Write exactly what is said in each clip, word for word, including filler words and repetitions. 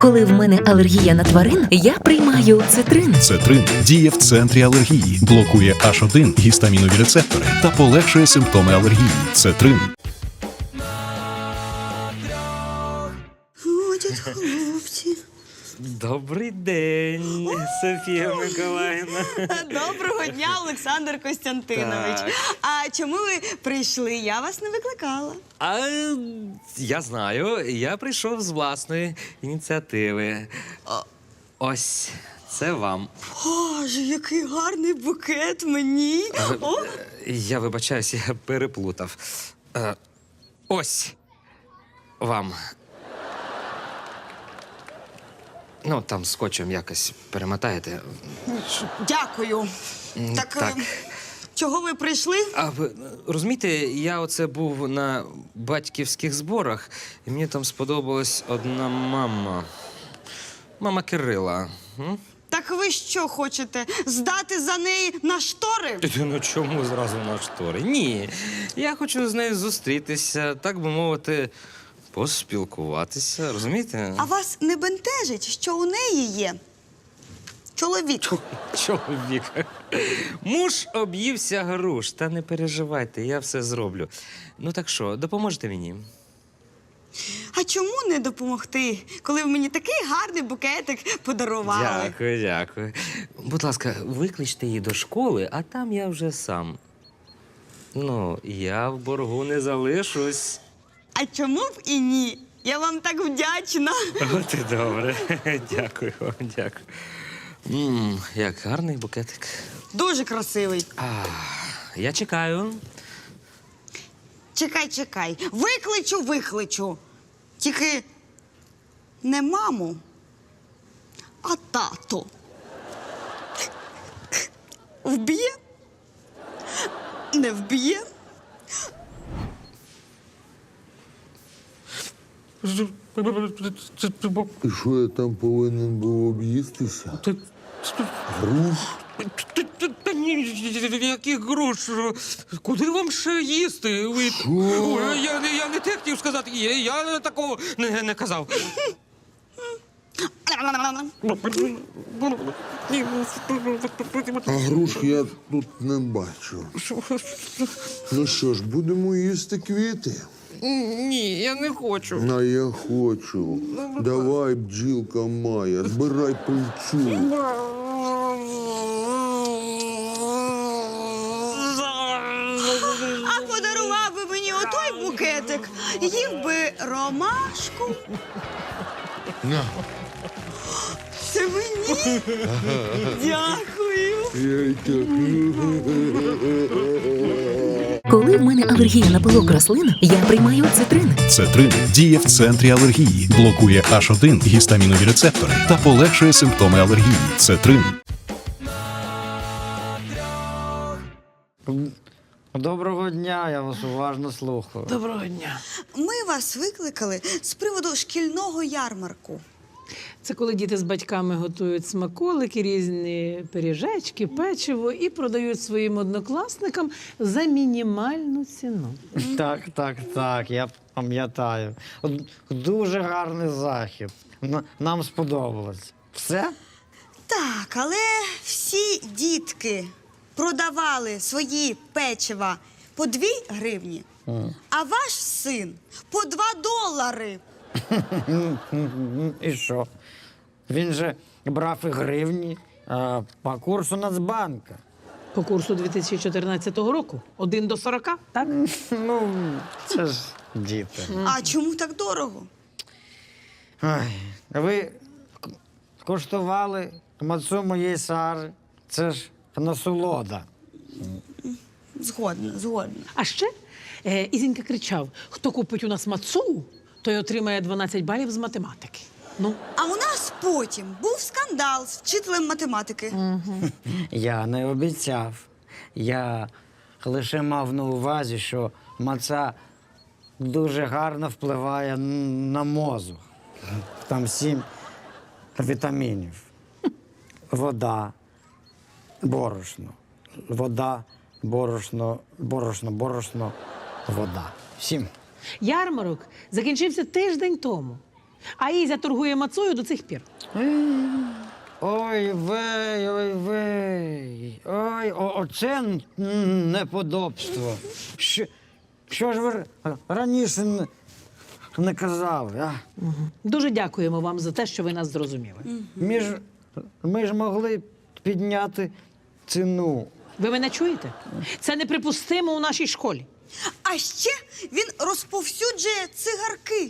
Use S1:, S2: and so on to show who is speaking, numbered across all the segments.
S1: Коли в мене алергія на тварин, я приймаю цитрин.
S2: Цетрин діє в центрі алергії, блокує аш один гістамінові рецептори та полегшує симптоми алергії. Цетрин.
S3: Ходять хлопці.
S4: Добрий день, Софія Миколаївна.
S3: Доброго дня, Олександр Костянтинович.
S4: Так.
S3: А чому ви прийшли? Я вас не викликала.
S4: А я знаю, я прийшов з власної ініціативи. Ось, це вам.
S3: Боже, який гарний букет мені. О,
S4: Я вибачаюсь, я переплутав. Е, Ось вам. Ну, там скотчем якось перемотаєте.
S3: дякую. Так,
S4: так.
S3: е, чого ви прийшли?
S4: А ви розумієте, я оце був на батьківських зборах, і мені там сподобалась одна мама. Мама Кирила. М?
S3: Так ви що хочете? Здати за неї на штори?
S4: Ти, ну чому зразу на штори? Ні. Я хочу з нею зустрітися, так би мовити, поспілкуватися, розумієте?
S3: А вас не бентежить, що у неї є чоловік?
S4: Чоловік. Муж об'ївся груш. Та не переживайте, я все зроблю. Ну так що, допоможете мені?
S3: А чому не допомогти, коли ви мені такий гарний букетик подарували?
S4: Дякую, дякую. Будь ласка, викличте її до школи, а там я вже сам. Ну, я в боргу не залишусь.
S3: А чому б і ні? Я вам так вдячна.
S4: От і добре. Дякую вам, дякую. Мм, як гарний букетик.
S3: Дуже красивий.
S4: А, я чекаю.
S3: Чекай, чекай. Викличу, викличу. Тільки не маму, а тато. Вб'є? Не вб'є?
S5: І що я там повинен був об'їстися? Груш?
S4: Та ні, яких груш? Куди вам ще їсти? Ви...
S5: Що?
S4: Ой, я, не- я не те хотів сказати, я, я такого не, не казав.
S5: А груш я тут не бачу. Ну що ж, будемо їсти квіти?
S4: Ні, я не хочу.
S5: А я хочу. Давай, бджілка Майя, збирай пильцю.
S3: А подарував би мені отой букетик, їв би ромашку.
S5: На.
S3: Це мені? Дякую.
S5: Я й так.
S1: Коли в мене алергія на пилок рослин, я приймаю цитрин.
S2: Цетрин діє в центрі алергії, блокує аш один гістамінові рецептори та полегшує симптоми алергії. Цетрин.
S6: Доброго дня, я вас уважно слухаю.
S7: Доброго дня.
S3: Ми вас викликали з приводу шкільного ярмарку.
S7: Це коли діти з батьками готують смаколики, різні пиріжечки, печиво і продають своїм однокласникам за мінімальну ціну.
S6: Так, так, так, я пам'ятаю. От дуже гарний захід. Н- Нам сподобалось. Все?
S3: Так, але всі дітки продавали свої печива по дві гривні, а ваш син по два долари.
S6: І що? Він же брав і гривні а, по курсу Нацбанка.
S7: По курсу дві тисячі чотирнадцятого року один до сорока, так?
S6: Ну, це ж діти.
S3: А чому так дорого?
S6: Ой, ви к- коштували мацу моєї Сари. Це ж насолода.
S3: Згодна, згодна.
S7: А ще е, Ізінька кричав: хто купить у нас мацу, той отримає дванадцять балів з математики. Ну,
S3: А у нас потім був скандал з вчителем математики.
S6: Я не обіцяв. Я лише мав на увазі, що маца дуже гарно впливає н- на мозок. Там сім вітамінів. Вода, борошно. Вода, борошно, борошно, борошно, вода. Сім.
S7: ярмарок закінчився тиждень тому. А Ізя торгує мацою до цих пір.
S6: Ой, вей, ой, вей. Ой, о, оце м, неподобство. Що, що ж ви р- раніше не, не казали, а?
S7: Дуже дякуємо вам за те, що ви нас зрозуміли.
S6: Ми ж, ми ж могли підняти ціну.
S7: Ви мене чуєте? Це неприпустимо у нашій школі.
S3: А ще він розповсюджує цигарки.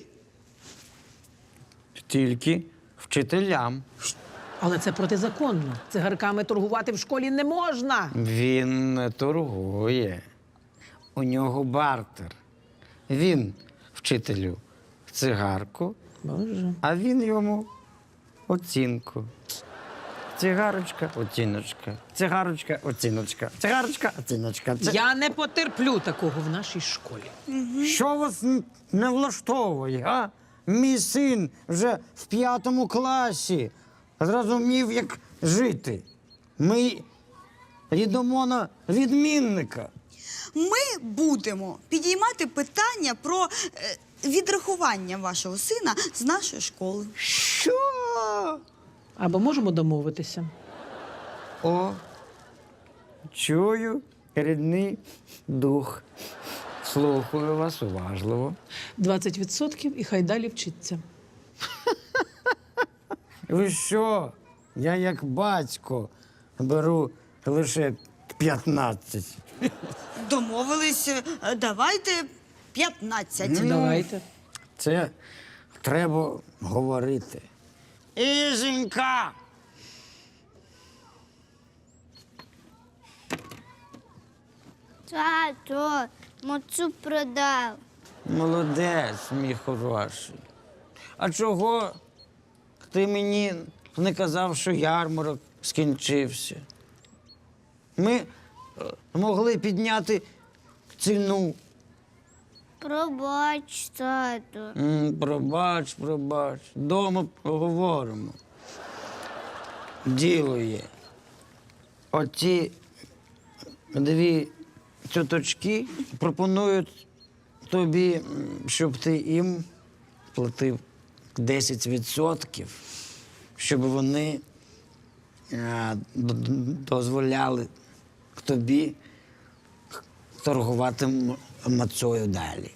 S6: Тільки вчителям.
S7: Але це протизаконно. Цигарками торгувати в школі не можна.
S6: Він не торгує. У нього бартер. Він вчителю цигарку,
S7: Боже.
S6: а він йому оцінку. Цигарочка, оціночка. Цигарочка, оціночка. Цигарочка, оціночка. Ци...
S7: Я не потерплю такого в нашій школі.
S6: Що вас н- не влаштовує, а? Мій син вже в п'ятому класі зрозумів, як жити. Ми йдемо на відмінника.
S3: Ми будемо підіймати питання про е, відрахування вашого сина з нашої школи.
S6: Що?
S7: Або можемо домовитися.
S6: О, чую рідний дух. Слухаю вас уважливо.
S7: двадцять відсотків і хай далі вчиться.
S6: Ви що? Я як батько беру лише п'ятнадцять.
S3: Домовились, е, давайте п'ятнадцять.
S7: Давайте.
S6: Це треба говорити. Ізенька!
S8: Тато, мацу продав.
S6: Молодець, мій хороший. А чого ти мені не казав, що ярмарок скінчився? Ми е, могли підняти ціну.
S8: Пробач, тато.
S6: М, Пробач, пробач. Дома поговоримо. Діло є. Оці дві цяточки пропонують тобі, м, щоб ти їм платив десять відсотків, щоб вони е, д- д- дозволяли тобі торгувати м- мацою далі.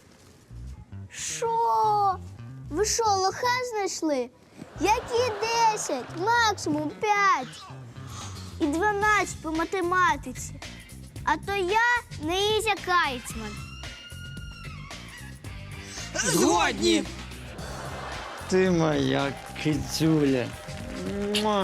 S8: Що? Ви що, лоха знайшли? Які десять? Максимум п'ять. І дванадцять по математиці. А то я не Ізя Кайцман.
S3: Згодні.
S6: Ти моя кицюля. Муа.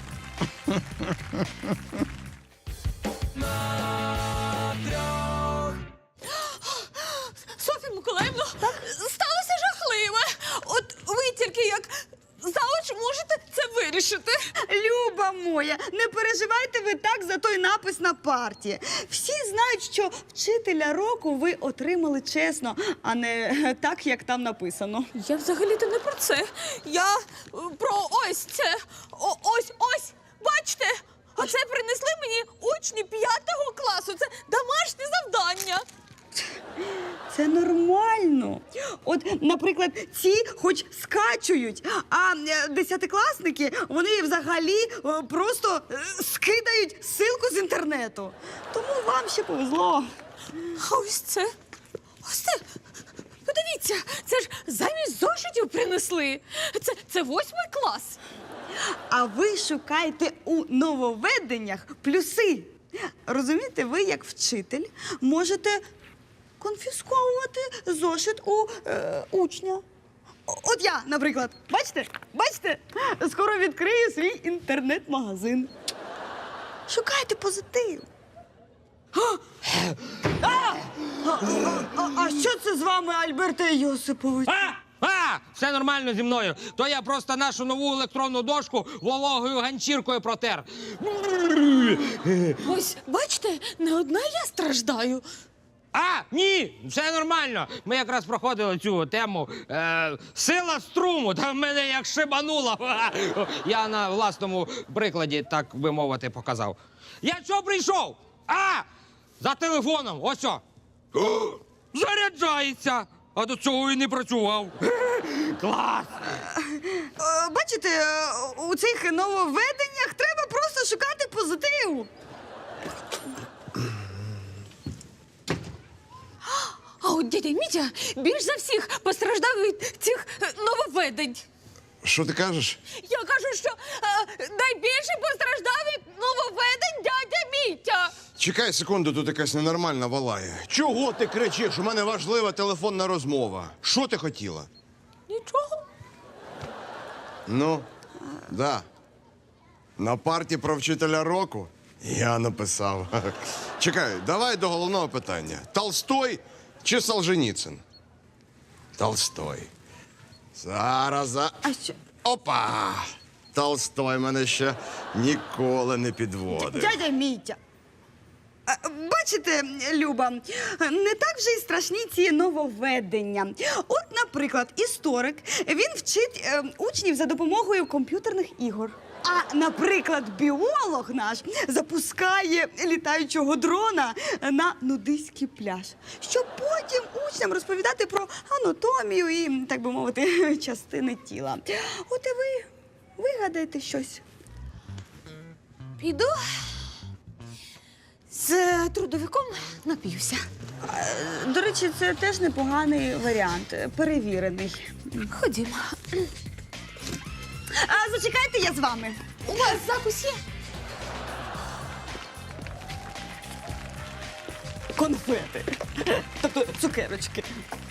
S9: Софія Миколаївна, сталося жахливе. От ви тільки як завуч можете це вирішити.
S3: Люба моя, не переживайте ви так за той напис на парті. Всі знають, що вчителя року ви отримали чесно, а не так, як там написано.
S9: Я взагалі-то не про це. Я е, про ось це. О, ось, ось. Бачите? Оце принесли мені учні п'ятого класу. Це домашнє завдання.
S3: Це нормально. От, наприклад, ці хоч скачують, а е, десятикласники, вони взагалі е, просто е, скидають ссылку з інтернету. Тому вам ще повезло.
S9: А ось це. Ось це. Подивіться, це ж замість зошитів принесли. Це, це восьмий клас.
S3: А ви шукаєте у нововведеннях плюси. Розумієте, ви, як вчитель, можете конфісковувати зошит у е, учня. О- От я, наприклад, бачите? Бачите? Скоро відкрию свій інтернет-магазин. Шукайте позитив. А! А! А, а, а що це з вами, Альберте Йосипович?
S4: А! А! Все нормально зі мною. То я просто нашу нову електронну дошку вологою ганчіркою протер.
S9: Ось, бачите, не одна я страждаю.
S4: А, ні, все нормально. Ми якраз проходили цю тему. Е, сила струму, та в мене як шибануло. Я на власному прикладі, так би мовити, показав. Я чого прийшов? А! За телефоном, ось о. О, заряджається. а до цього і не працював. Клас!
S3: Е, Бачите, е, у цих нововведеннях треба просто шукати позитив.
S9: А от дядя Мітя більш за всіх постраждав від цих е, нововведень.
S5: Що ти кажеш?
S9: Я кажу, що е, найбільше постраждав від нововведень дядя Мітя.
S5: Чекай секунду, тут якась ненормальна валає. Чого ти кричиш? У мене важлива телефонна розмова. Що ти хотіла?
S9: Нічого.
S5: Ну, да. На парті про вчителя року я написав. Чекай, давай до головного питання. Толстой чи Солженіцин? Толстой. Зараз. за-
S3: А що?
S5: Опа! Толстой мене ще ніколи не підводив.
S3: Дядя Мітя. Е, Бачите, Люба, не так вже й страшні ці нововведення. От, наприклад, історик, він вчить е, учнів за допомогою комп'ютерних ігор. А, наприклад, біолог наш запускає літаючого дрона на нудиський пляж, щоб потім учням розповідати про анатомію і, так би мовити, частини тіла. От і ви вигадаєте щось.
S9: Піду з трудовиком нап'юся.
S3: До речі, це теж непоганий варіант, перевірений.
S9: Ходімо.
S3: А зачекайте, я з вами.
S9: У вас закусь є?
S3: Конфети. Тобто цукерочки.